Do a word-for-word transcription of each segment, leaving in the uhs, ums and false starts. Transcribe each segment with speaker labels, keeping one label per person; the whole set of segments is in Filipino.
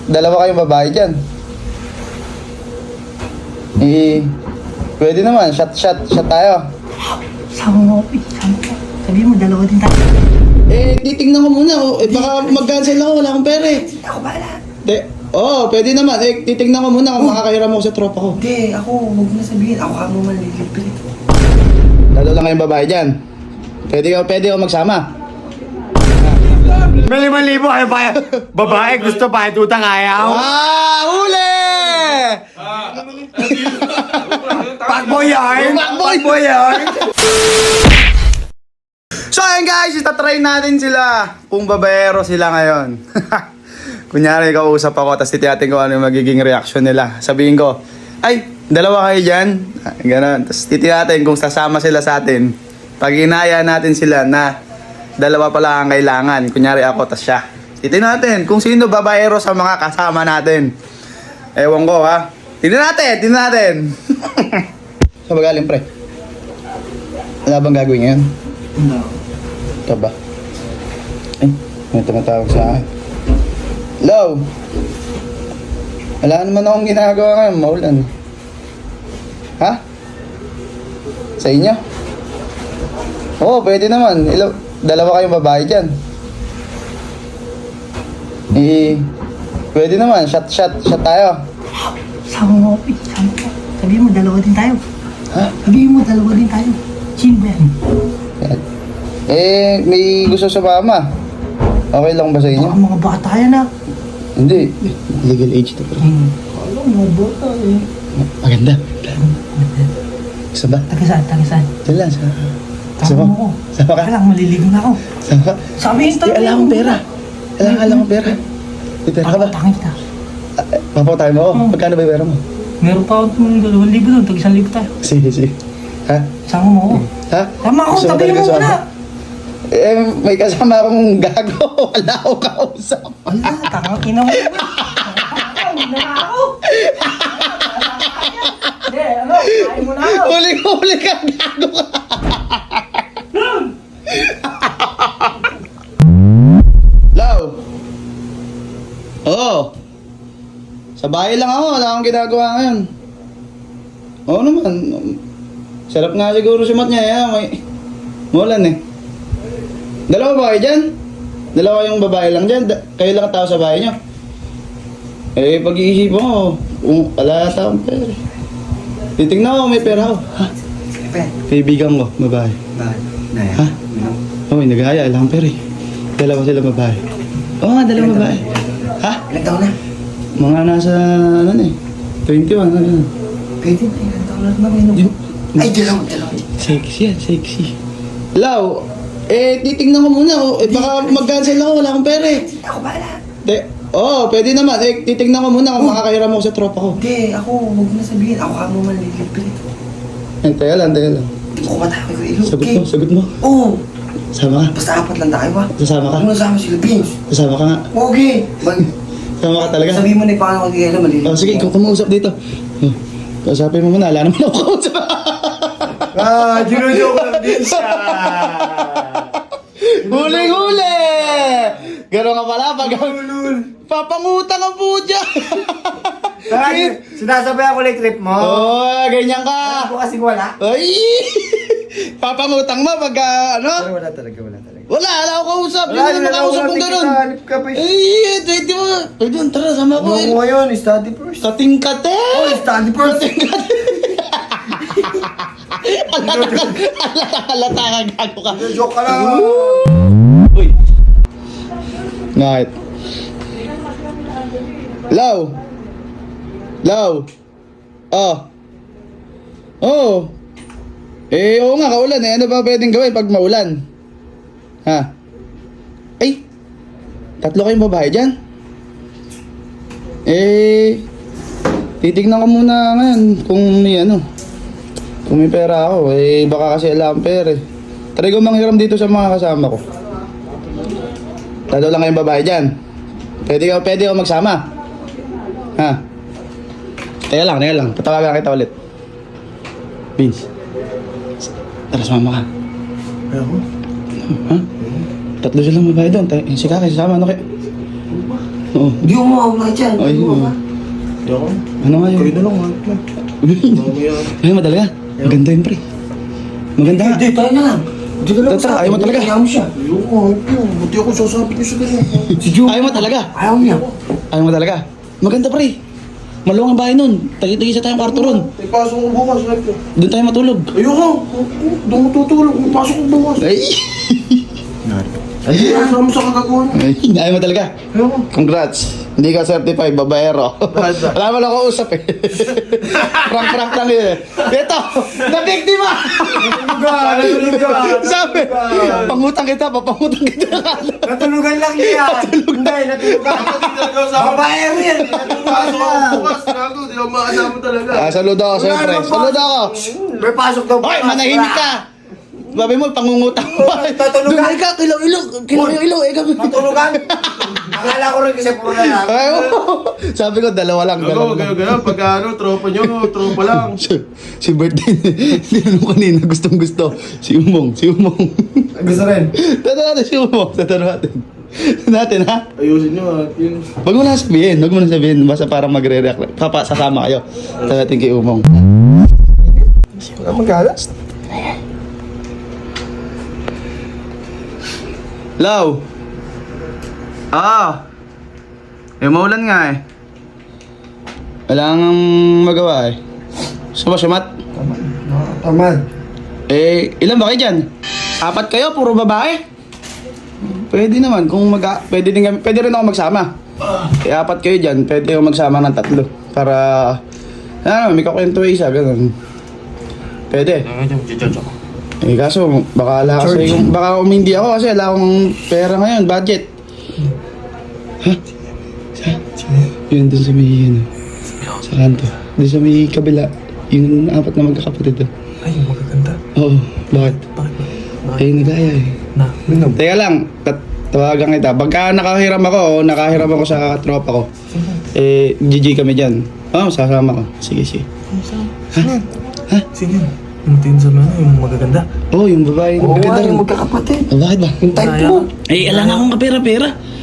Speaker 1: dalawa kayong babae dyan. Eh, pwede naman. Shot, shot, shot tayo.
Speaker 2: Sama mo, eh. Sama mo. Sabihin mo, dalawa din tayo.
Speaker 1: Eh, titignan ko muna. Oh. Eh, baka mag-cancel ako. Wala akong pera eh.
Speaker 2: Ako bahala.
Speaker 1: De, oo, oh, pwede naman. Eh, titignan ko muna kung makakahiram ako sa tropa ko.
Speaker 2: Hindi, ako, huwag mo na sabihin. Ako ka mo malilibre.
Speaker 1: Dalawa lang kayong babae dyan. Pwede ko, pwede ko magsama.
Speaker 3: May limang libo kayo ba? Babae, gusto pa, tutang ayaw.
Speaker 1: Ah, huli!
Speaker 3: Pakboy yarn!
Speaker 1: Pakboy!
Speaker 3: Pakboy yarn!
Speaker 1: So ayun guys, itatry natin sila kung babaero sila ngayon. Kunyari kausap ako, tapos titiyatin ko ano yung magiging reaction nila. Sabihin ko, ay, dalawa kayo dyan. Ah, Ganon. Tapos titiyatin kung sasama sila sa atin. Pag inaya natin sila na dalawa pala ang kailangan. Kunyari ako, tas siya. Titignan natin kung sino babaero sa mga kasama natin. Ewan ko ha. Tignan natin, tignan natin. Saan ba galing pre? Wala bang gagawin ngayon?
Speaker 2: No.
Speaker 1: Ito ba? Ay, may tumatawag sa akin. Hello? Wala naman akong ginagawa ngayon, maulan. Ha? Sa inyo? Oo, pwede naman. Ilo, dalawa kayong babae dyan. Eh, pwede naman. Shot, shot, shot tayo.
Speaker 2: Sama mo, eh. Sama mo. Sabihin mo, dalawa din tayo.
Speaker 1: Ha?
Speaker 2: Sabihin mo, dalawa din tayo. Sino ba yan?
Speaker 1: Yan. Eh, may gusto sa mama. Okay lang ba sa inyo?
Speaker 2: Baka mga bata yan ah.
Speaker 1: Hindi. Legal age to, bro.
Speaker 2: Hmm. Alam, mga bata eh.
Speaker 1: Maganda. Gusto ba?
Speaker 2: Taga saan? Taga saan?
Speaker 1: Diyan lang, sa...
Speaker 2: Sama mo ko.
Speaker 1: Sama ka?
Speaker 2: Kaya lang, maliligo na ako.
Speaker 1: Sama ka?
Speaker 2: Sabihin
Speaker 1: Di, alam akong pera. Alam, alam akong pera. May pera ka ba?
Speaker 2: Papatangin kita.
Speaker 1: Papatay mo ako?
Speaker 2: Hmm.
Speaker 1: Magkano ba yung pera mo?
Speaker 2: Meron pa akong dalawang libo doon. Tag isang libo tayo.
Speaker 1: Sige, sige. Ha?
Speaker 2: Sama mo ako.
Speaker 1: Ha?
Speaker 2: Sama ako,
Speaker 1: Gusto mo
Speaker 2: sabihin
Speaker 1: talaga
Speaker 2: mo
Speaker 1: sumama?
Speaker 2: muna.
Speaker 1: Eh, may kasama akong gago. Wala akong kausap.
Speaker 2: Wala, tangang ina mo. Hindi na ako. Hindi, ano, kain mo na ako.
Speaker 1: Huli-huli ka, gago ka. Lau. Oo. Sa bahay lang ako. Wala akong ginagawa ngayon. Oo naman. Sarap nga siguro si Mat niya. Yan, may... Mulan eh. Dalawa ba kayo dyan? Dalawa yung babae lang dyan? Da- kayo lang ang tao sa bahay nyo? Eh, pag-iisip mo, um, wala sa akong pera. Titignan ko, may pera ako. Ha? Kaibigan ko, babae. Ha? Oo, oh, nag-aaya, wala akong pera eh. Dalawa sila babae. Oo nga, dalawa babae. Ha?
Speaker 2: Ilang taon na?
Speaker 1: Mga nasa, ano na eh, twenty-one, ano na.
Speaker 2: Pwede na, ilang taon na naman yun.
Speaker 1: Yung-
Speaker 2: Ay, dalawa, dalawa.
Speaker 1: Sexy yan, sexy. Lau, eh, titignan ko muna. Oh. Eh, baka mag-cancel ako, wala akong pera eh.
Speaker 2: Ako bahala.
Speaker 1: De, oo, oh, pwede naman. Eh, titignan ko muna kung makakahiram ako sa tropa ko.
Speaker 2: Hindi, ako, huwag mo na sabihin. Ako ka mo malilibre.
Speaker 1: Eh, teka lang, teka lang.
Speaker 2: Ako matawag ko ilo.
Speaker 1: Sagot mo, sagot mo.
Speaker 2: Oo.
Speaker 1: Sama ka.
Speaker 2: Basta apat lang tayo ba?
Speaker 1: Sasama ka.
Speaker 2: Huwag mo nasama sila, Vince.
Speaker 1: Sasama ka nga.
Speaker 2: Okay. Mag...
Speaker 1: Sama ka talaga.
Speaker 2: Sabihin mo na yung pangalan ko kaya na malilibre.
Speaker 1: Oh, sige, ikaw kumausap dito. Oh, kausapin mo muna, wala naman ako kausap.
Speaker 3: Ah, ginujo ko lang din siya.
Speaker 1: Huli-huli! Gano'n nga pala, pag... Papangutang ang pudya!
Speaker 3: Bakit? Sinasabay ako like trip mo.
Speaker 1: Oo, oh, ganyan ka!
Speaker 3: Ako kasing wala.
Speaker 1: Ay! Papangutang mo pag
Speaker 3: Pero
Speaker 1: ano?
Speaker 3: wala talaga, wala talaga.
Speaker 1: Wala, wala ako kausap.
Speaker 3: Wala,
Speaker 1: Hindi naman kausap kung gano'n.
Speaker 3: Hanip ka pa eh.
Speaker 1: Ay, pwede mo. Pwede mo, tara, sama ko.
Speaker 3: Ano ko ngayon? Study first.
Speaker 1: Kating kate!
Speaker 3: Oh, study first.
Speaker 1: Kating kate! Alata ka, alata, alata ka, gago ka.
Speaker 3: Joke ka lang.
Speaker 1: Uy! Ngahit. Law! Law! Oh! Oh! Eh, oo nga, kaulan eh. Ano ba pwedeng gawin pag maulan? Ha? Ay! Tatlo kayong babae dyan? Eh... Titignan ko muna ngayon kung may ano. Kung may pera ako, eh baka kasi alam pera eh. Try ko manghiram dito sa mga kasama ko. Tatlo lang kayong babae dyan. Pwede ka, pwede ka magsama. Ha? Teka lang, teka lang. Patawagan kita ulit. Vince. Tara, sumama ka.
Speaker 3: Ako?
Speaker 1: Ha? Tatlo silang babae doon. Si Kaki, sasama. Ano kayo? Oo.
Speaker 4: Hindi mo mawala dyan.
Speaker 1: Ay,
Speaker 4: Hindi mo
Speaker 1: oo.
Speaker 4: ba?
Speaker 3: Hindi ako.
Speaker 1: Ano nga yun?
Speaker 3: Kayo na lang ha. Mamaya.
Speaker 1: Ay, mo talaga. Maganda yun, pre. Maganda nga.
Speaker 4: Hindi, tayo na lang. Hindi ka lang
Speaker 1: Tara, ayaw mo talaga.
Speaker 4: Ayaw mo siya.
Speaker 3: Ayoko, ayoko. Buti ako sasabit niyo sa ganyan.
Speaker 4: Si Joe.
Speaker 1: Ayaw mo talaga.
Speaker 4: Ayaw niya.
Speaker 1: Ayaw mo talaga. Maganda, pre. Maluwang ang bahay nun. Tagi-tagi sa tayong kwarto ron.
Speaker 3: Ipasok ko bukas. Like,
Speaker 1: Doon tayo matulog.
Speaker 3: ayoko. Doon mo tutulog. Ipasok ko bukas.
Speaker 1: Ay.
Speaker 3: Ay, ano mo sa kagagawa niya?
Speaker 1: Ay, ayaw mo talaga.
Speaker 3: Ayoko.
Speaker 1: Congrats. Hindi ka certified, babaero. Wala mo lang ako usap eh. Prank-prank lang yun eh. Ito, na-biktima! Sabi, pangutang kita, papangutang kita.
Speaker 4: Natulugan lang niya. Hindi, natulugan. Babae rin.
Speaker 3: Pasok ako bukas. Gago, di ako makasama talaga.
Speaker 1: Ah, saludo ako, siyempre. Saludo ako.
Speaker 4: May pasok daw.
Speaker 1: Hoy, manahimik ka! Sabi mo, pangungutang pa.
Speaker 4: Tatulugan.
Speaker 1: Dumay ka, kilaw-ilaw. Kilaw-ilaw, eh kami.
Speaker 4: Matulugan. Akala ko rin kasi puro na lang.
Speaker 1: Ay, oo. Sabi ko, dalawa lang,
Speaker 3: Gago,
Speaker 1: dalawa
Speaker 3: gago,
Speaker 1: lang.
Speaker 3: gago. Pagka ano, tropa nyo, tropa lang.
Speaker 1: Si, si Bertin, tinanong kanina, gustong gusto. Si Umong, si Umong.
Speaker 4: Gusto rin.
Speaker 1: Tato natin si Umong, tato natin. Natin ha?
Speaker 3: Ayusin nyo at yun.
Speaker 1: Huwag mo na sabihin, huwag mo na sabihin. Basta para magre-react. Papa, sasama kayo. Tato natin kay Umong.
Speaker 4: Wala magalas.
Speaker 1: Law! Ah! Eh, maulan nga eh. Wala nang magawa eh. Gusto mo sumat?
Speaker 4: Tamad.
Speaker 1: Eh, ilan ba kayo dyan? Apat kayo, puro babae? Pwede naman, kung mag pwede, din kami, pwede rin ako magsama. Eh, apat kayo dyan, pwede ako magsama ng tatlo. Para, ano, may kakwento isa, ganun. Pwede. Eh, kaso, baka ala kasi yung, baka umindi ako kasi ala akong pera ngayon, budget. Ha? Sa? Yun, dun sa may, ano, sa kanto. Dun sa may kabila, yung apat na magkakapatid doon.
Speaker 5: Ay, magaganda.
Speaker 1: Oo, bakit?
Speaker 5: Bakit ba?
Speaker 1: Eh, nagaya eh.
Speaker 5: Na,
Speaker 1: Teka lang, tat- tawagan kita. Pagka nakahiram ako, o nakahiram ako sa tropa ko, eh, G G kami dyan. Oo, oh, sasama ko. Sige, sige.
Speaker 5: Sino?
Speaker 1: Ha?
Speaker 5: Sino yun? Yung tingin sa mga, yung magaganda.
Speaker 1: Oo, oh, yung babae,
Speaker 4: Oo
Speaker 1: maganda
Speaker 4: nga,
Speaker 1: rin.
Speaker 4: yung magkakapatid.
Speaker 1: Oh, bakit ba?
Speaker 4: Yung type mo.
Speaker 1: Eh, alam na akong kapera-pera.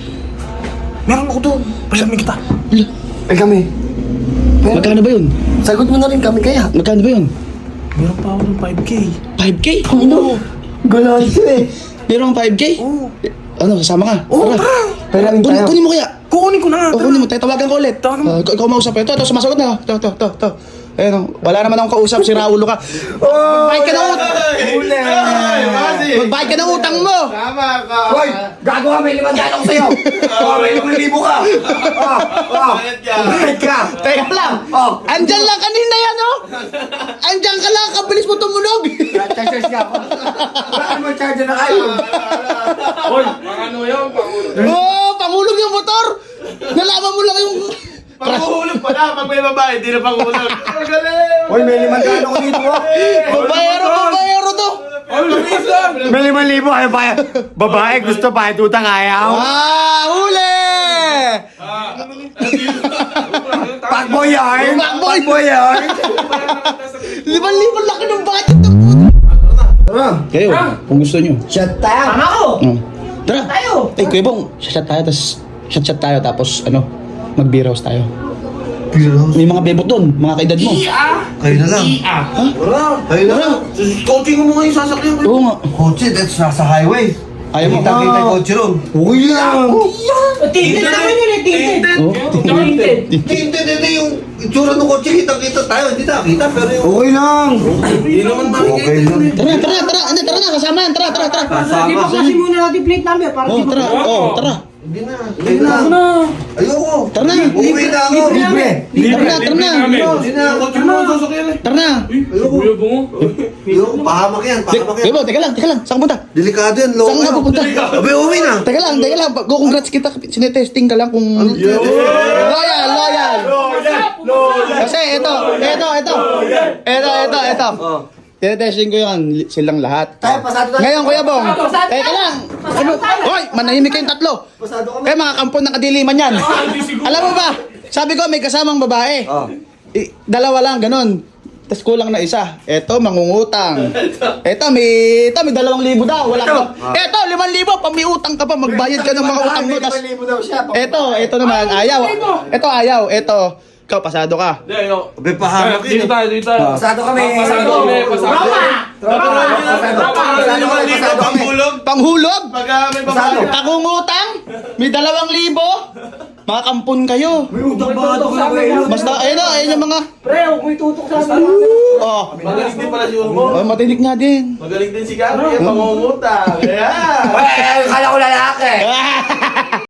Speaker 5: Meron ako doon. Pasamin kita.
Speaker 1: Ala,
Speaker 4: Ay kami. Pero,
Speaker 1: magkano ba yun?
Speaker 4: sagot mo na rin kami kaya.
Speaker 1: Magkano ba yun?
Speaker 5: Meron pa ako ng five K.
Speaker 1: five K?
Speaker 4: Ano? Galayo eh.
Speaker 1: Meron kang five K?
Speaker 5: Oo.
Speaker 1: Ano, kasama ka?
Speaker 5: Oo,
Speaker 1: Tara.
Speaker 5: tara.
Speaker 4: Peramin
Speaker 1: Kunin,
Speaker 4: tayo.
Speaker 1: kunin mo kaya.
Speaker 5: Kukunin ko na nga.
Speaker 1: O, kunin mo. Tayo, tawagan ko ulit.
Speaker 5: Tawagan mo.
Speaker 1: Ah, ikaw ikaw mausap. Ito, ito, sumasagot na. Ito, ito, ito, ito. Ayun, oh. Wala naman akong kausap. Si Raulo ka. Magbayad ka ng utang.
Speaker 4: Uli.
Speaker 1: Magbayad ka ng utang mo.
Speaker 3: Tama ka.
Speaker 4: Hoy, gago ka, may limandaan ako sa'yo. Oh, may limang libo ka. Oh, oh.
Speaker 3: Bayad ka.
Speaker 4: Bayad ka.
Speaker 1: Teka lang.
Speaker 4: Oh.
Speaker 1: Andyan lang kanina yan, oh. Andyan ka lang. Kabilis mo tumunog.
Speaker 4: Chargers ka ako. Wala mo charger na kayo.
Speaker 3: Hoy, ano yun? Pangulog.
Speaker 1: Oh, pangulog yung motor. Nalaman mo lang yung...
Speaker 3: Pangulog pala. Pag may babae, di na pangulog. Ang galing.
Speaker 4: Hoy, may limandaan ako dito. oh.
Speaker 1: Babayero, babayero to.
Speaker 3: Ay, labis lang. May limang libo kayo pa. Babae, gusto pa. Tutang ayaw.
Speaker 1: Ah, huli!
Speaker 4: Pakboy yarn.
Speaker 1: Pakboy.
Speaker 4: Pakboy yarn.
Speaker 1: Liban-liban laki ng budget ng puto.
Speaker 4: Tara.
Speaker 1: Kayo, kung gusto nyo.
Speaker 4: Shut tayo.
Speaker 2: Tama ko!
Speaker 1: Oh. Tara.
Speaker 2: Tayo!
Speaker 1: Eh, Kuya Bong, shot tayo, tapos shot-shot tayo, tapos ano, mag-beer house tayo. May mga bebot doon, mga kaedad mo.
Speaker 4: Kayo na lang.
Speaker 3: Wala.
Speaker 4: Kayo na lang.
Speaker 3: Coaching mo nga yung sasakyan.
Speaker 1: Oo nga.
Speaker 4: Kotse, that's nasa highway.
Speaker 1: Ayaw mo.
Speaker 4: Kita-kita yung kotse ron. Okay lang.
Speaker 2: Tinted naman yun eh, tinted!
Speaker 1: Oh,
Speaker 2: Tinted!
Speaker 4: Hindi, hindi, yung itsura ng kotse, kita-kita tayo. Hindi nakita, pero yung... Okay lang.
Speaker 3: Hindi naman
Speaker 4: Okay lang.
Speaker 1: Tara, tara, tara, ano, tara na, kasama yan, tara, tara, tara.
Speaker 2: Di ba kasi muna natin plate number para
Speaker 1: Oh,
Speaker 2: di ba?
Speaker 1: tara, oh, tara.
Speaker 4: Hindi na. Hindi na. Ayoko.
Speaker 1: Tara na.
Speaker 4: Uwi na ako. Libre.
Speaker 1: Tara na, tara na.
Speaker 4: Hindi na.
Speaker 3: Coaching mo yung sasakyan eh.
Speaker 1: Tara na.
Speaker 4: Ayoko. Ayoko. Pahamak yan. Pahamak
Speaker 1: Kuya
Speaker 4: yan.
Speaker 1: Bong, teka lang, teka lang, saan ka punta?
Speaker 4: Delikado yan.
Speaker 1: Saan
Speaker 4: Loko
Speaker 1: ka pupunta?
Speaker 4: Abe, uwi na.
Speaker 1: Teka lang, teka lang, go congrats kita, sinetesting ka lang kung... Loyal, loyal. Kasi ito, ito, ito. Ito, ito, ito. Tinetesting ko yan, silang lahat.
Speaker 4: Tayo, pasado tayo.
Speaker 1: Ngayon, Kuya Bong,
Speaker 2: Pasado
Speaker 1: teka
Speaker 2: tayo.
Speaker 1: lang.
Speaker 2: Pasado
Speaker 1: Ano?
Speaker 2: tayo.
Speaker 1: Hoy, manahimik kayong tatlo.
Speaker 4: Pasado kami.
Speaker 1: Kaya mga kampon ng kadiliman yan. Alam mo ba, sabi ko may kasamang babae.
Speaker 4: Oh.
Speaker 1: Eh, dalawa lang, ganun. Tapos kulang na isa. Eto, mangungutang. Eto, may, eto, may dalawang libo daw. Wala ka. Eto, limang libo. Pamiutang ka pa. Magbayad ka ng mga utang mo. Tas,
Speaker 3: daw siya.
Speaker 1: eto, eto naman. Ayaw. Eto, ayaw. Eto. Ikaw, pasado ka.
Speaker 6: Hindi, yo.
Speaker 3: Abe, pahamak
Speaker 6: Dito
Speaker 3: yun.
Speaker 6: tayo, dito tayo.
Speaker 4: Pasado kami.
Speaker 6: Pasado kami, pasado kami.
Speaker 4: Tropa! Pasado Pasado kami, pasado kami.
Speaker 1: Panghulog.
Speaker 6: Pag ah, may
Speaker 4: Pasado.
Speaker 6: babae.
Speaker 1: Pangungutang. May dalawang libo. Makampun kayo.
Speaker 4: May utang ba ito sa akin?
Speaker 1: Basta, ayun o, ayun yung mga...
Speaker 2: Pre, huwag mo itutok sa amin.
Speaker 1: Oh,
Speaker 6: Magaling din pala si Ulmo.
Speaker 1: oh matinik nga din.
Speaker 6: Magaling din si Gary. Pangungutang. Ayan.
Speaker 4: Well, kala ko lalaki.